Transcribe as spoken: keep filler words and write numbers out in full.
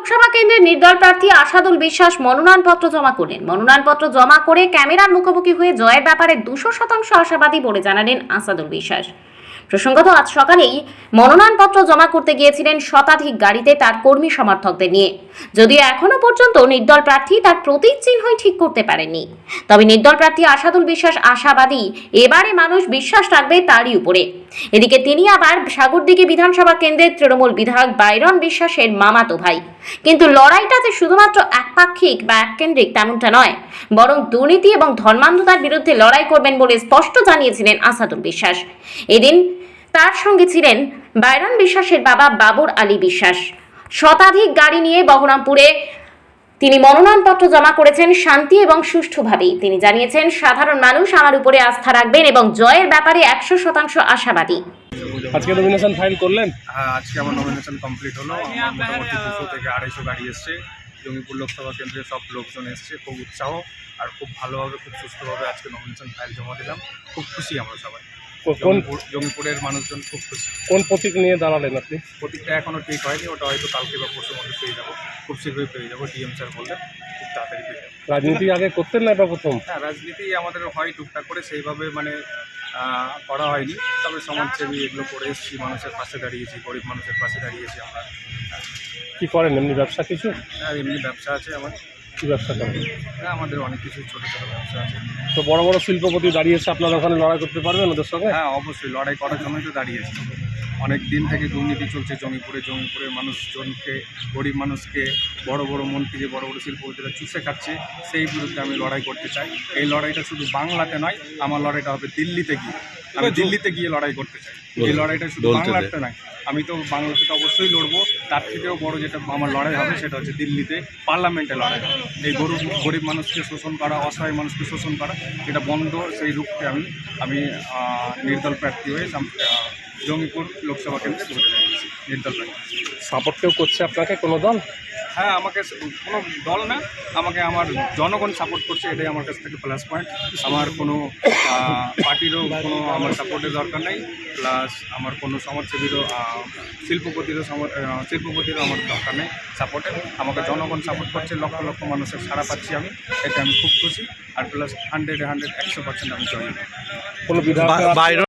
লোকসভা কেন্দ্রের নির্দল প্রার্থী আসাদুল বিশ্বাস মনোনয়নপত্র জমা করলেন। মনোনয়নপত্র জমা করে ক্যামেরার মুখোমুখি হয়ে জয়ের ব্যাপারে দুশো শতাংশ আশাবাদী বলে জানালেন আসাদুল বিশ্বাস। প্রসঙ্গত আজ সকালেই মনোনয়নপত্র জমা করতে গিয়েছিলেন শতাধিক গাড়িতে তার কর্মী সমর্থকদের নিয়ে। যদিও এখনো পর্যন্ত নির্দল প্রার্থী তার প্রতীক চিহ্নই ঠিক করতে পারেননি, তবে নির্দল প্রার্থী আসাদুল বিশ্বাস আশাবাদী এবারে মানুষ বিশ্বাস রাখবে তারই উপরে। এদিকে তিনি আবার সাগরদিঘি বিধানসভা কেন্দ্রের তৃণমূল বিধায়ক বাইরন বিশ্বাসের মামাতো ভাই। কিন্তু লড়াইটা যে শুধুমাত্র একপাক্ষিক বা এককেন্দ্রিক তেমনটা নয়, বরং দুর্নীতি এবং ধর্মান্ধতার বিরুদ্ধে লড়াই করবেন বলে স্পষ্ট জানিয়েছিলেন আসাদুল বিশ্বাস। এদিন তার সঙ্গে ছিলেন বাইরন বিশ্বাসের বাবা বাবর আলী বিশ্বাস। শতাধিক গাড়ি নিয়ে বহরমপুরে তিনি মনোনয়নপত্র জমা করেছেন শান্তি এবং সুষ্ঠুভাবেই। তিনি জানিয়েছেন, সাধারণ মানুষ আমার উপরে আস্থা রাখবেন এবং জয়ের ব্যাপারে একশো শতাংশ আশাবাদী। আজকে নমিনেশন ফাইল করলেন? হ্যাঁ, আজকে আমার নমিনেশন কমপ্লিট হলো। আমার মোটামুটি দুশো থেকে আড়াইশো গাড়ি এসছে। জঙ্গিপুর লোকসভা কেন্দ্রে সব লোকজন এসছে, খুব উৎসাহ আর খুব ভালোভাবে খুব সুস্থভাবে আজকে নমিনেশন ফাইল জমা দিলাম। খুব খুশি আমরা সবাই। কোন জঙ্গিপুরের মানুষজন খুব খুশি। কোন প্রতীক নিয়ে দাঁড়ালেন আপনি? প্রতীকটা এখনও ঠিক হয়নি, ওটা হয়তো কালকে বা পরশুর মধ্যে পেয়ে যাবো। খুব শীঘ্রই পেয়ে যাবো। ডিএম স্যার বললেন খুব তাড়াতাড়ি পেয়ে যাবো। রাজনীতি আগে করতেন না এটা প্রথম? হ্যাঁ, রাজনীতি আমাদের হয় টুকটাক করে, সেইভাবে মানে করা হয়নি। তবে সমাজসেবী এগুলো করে এসেছি, মানুষের পাশে দাঁড়িয়েছি, গরিব মানুষের পাশে দাঁড়িয়েছি আমরা। কি করেন এমনি ব্যবসা কিছু? হ্যাঁ, এমনি ব্যবসা আছে আমার। কি ব্যবসা করেন? হ্যাঁ, আমাদের অনেক কিছু ছোটো ছোটো ব্যবসা আছে। তো বড় বড় শিল্পপতি দাঁড়িয়েছে, আপনারা ওখানে লড়াই করতে পারবেন ওদের সঙ্গে? হ্যাঁ, অবশ্যই লড়াই করার জন্যই তো দাঁড়িয়েছে। অনেক দিন থেকে দুর্নীতি চলছে জমিপুরে। জমিপুরের মানুষজনকে, গরিব মানুষকে বড় বড় মন্ত্রী, যে বড় বড় শিল্পপতিরা চুষে খাচ্ছে, সেই বিরুদ্ধে আমি লড়াই করতে চাই। এই লড়াইটা শুধু বাংলাতে নয়, আমার লড়াইটা হবে দিল্লিতে গিয়ে। আমি দিল্লিতে গিয়ে লড়াই করতে চাই। এই লড়াইটা শুধু বাংলাতে নয়, আমি তো বাংলাতে তো অবশ্যই লড়বো। তার থেকেও বড় যেটা আমার লড়াই হবে সেটা হচ্ছে দিল্লিতে, পার্লামেন্টে লড়াই হবে। এই গরিব গরিব মানুষকে শোষণ করা, অসহায় মানুষকে শোষণ করা, এটা বন্ধ। সেই রূপকে আমি আমি নির্দল প্রার্থী হয়ে জঙ্গিপুর লোকসভা কেন্দ্রে ভোটে দাঁড়িয়েছি নির্দল প্রার্থী। সাপোর্ট কেউ করছে আপনাকে, কোনো দল? হ্যাঁ, আমাকে কোনো দল না, আমাকে আমার জনগণ সাপোর্ট করছে, এটাই আমার কাছ থেকে প্লাস পয়েন্ট। আমার কোনো পার্টিরও কোনো আমার সাপোর্টের দরকার নেই, প্লাস আমার কোনো সমাজসেবীরও, শিল্পপতিরও শিল্পপতিরও আমার দরকার নেই সাপোর্টের। আমাকে জনগণ সাপোর্ট করছে, লক্ষ লক্ষ মানুষের সাড়া পাচ্ছি আমি, এতে আমি খুব খুশি। আর প্লাস হান্ড্রেডে হান্ড্রেড একশো পার্সেন্ট আমি জয়েন। কোনো বিধায়ক